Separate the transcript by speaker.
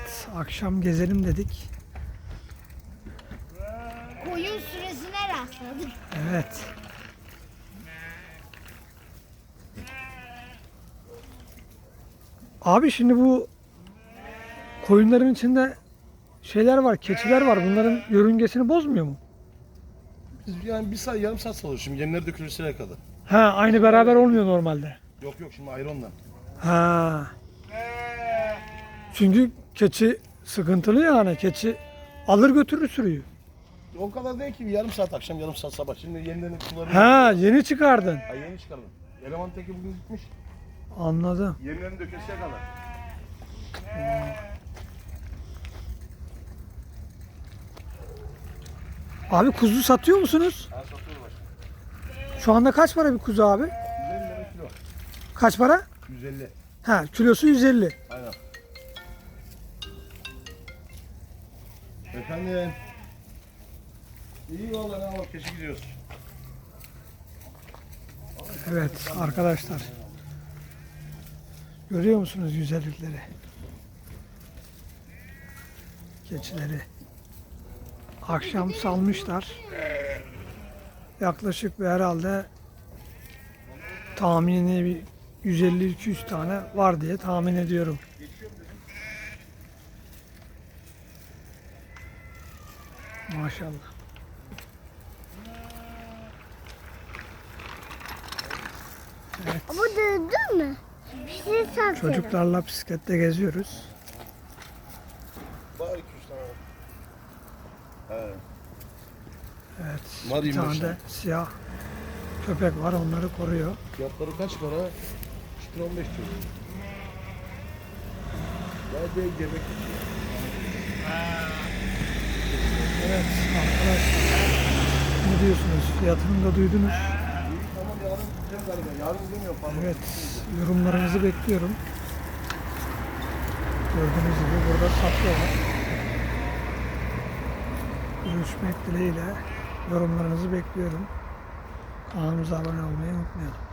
Speaker 1: Evet, akşam gezelim dedik.
Speaker 2: Koyun süresine rastladık.
Speaker 1: Evet. Abi şimdi bu koyunların içinde şeyler var, keçiler var. Bunların yörüngesini bozmuyor mu?
Speaker 3: Biz yani bir saat yarım saat salıyoruz şimdi yemleri dökülürsene kadar.
Speaker 1: Ha, aynı beraber olmuyor normalde.
Speaker 3: Yok yok şimdi ayrı ondan.
Speaker 1: Ha. Çünkü keçi sıkıntılı yani. Keçi alır götürür sürüyü.
Speaker 3: O kadar değil ki bir yarım saat akşam yarım saat sabah. Şimdi yemlerini sularını...
Speaker 1: Ha, yeni çıkardın.
Speaker 3: Ha yeni çıkardım. Eleman teki bugün gitmiş.
Speaker 1: Anladım.
Speaker 3: Yemlerini dökülsene kadar.
Speaker 1: Abi kuzu satıyor musunuz?
Speaker 3: Ha satıyoruz başka.
Speaker 1: Şu anda kaç para bir kuzu abi?
Speaker 3: 150 lira kilo.
Speaker 1: Kaç para?
Speaker 3: 150.
Speaker 1: Ha, kilosu 150.
Speaker 3: Aynen. Efendim. İyi vallahi ne var keşke gidiyoruz.
Speaker 1: Evet arkadaşlar. Görüyor musunuz güzellikleri? Keçileri. Akşam salmışlar. Yaklaşık bir herhalde tahmini bir 150-200 tane var diye tahmin ediyorum. Maşallah.
Speaker 2: Ama döndün mü? Bir şey satıyor.
Speaker 1: Çocuklarla bisiklette geziyoruz.
Speaker 3: Var 200 tane. He.
Speaker 1: Evet.
Speaker 3: Var
Speaker 1: Bir
Speaker 3: 25
Speaker 1: tane de
Speaker 3: tane.
Speaker 1: siyah köpek var, onları koruyor.
Speaker 3: Fiyatları kaç para? 3 lira 15 lira. Ya değil yemek.
Speaker 1: Evet arkadaşlar. Ne diyorsunuz? Fiyatını da duydunuz.
Speaker 3: İyi tamam yarın gideceğim galiba. Yarın gidemiyorum pardon.
Speaker 1: Evet, yorumlarınızı bekliyorum. Gördüğünüz gibi burada satıyorlar. Görüşmek dileğiyle yorumlarınızı bekliyorum. Kanalımıza abone olmayı unutmayalım.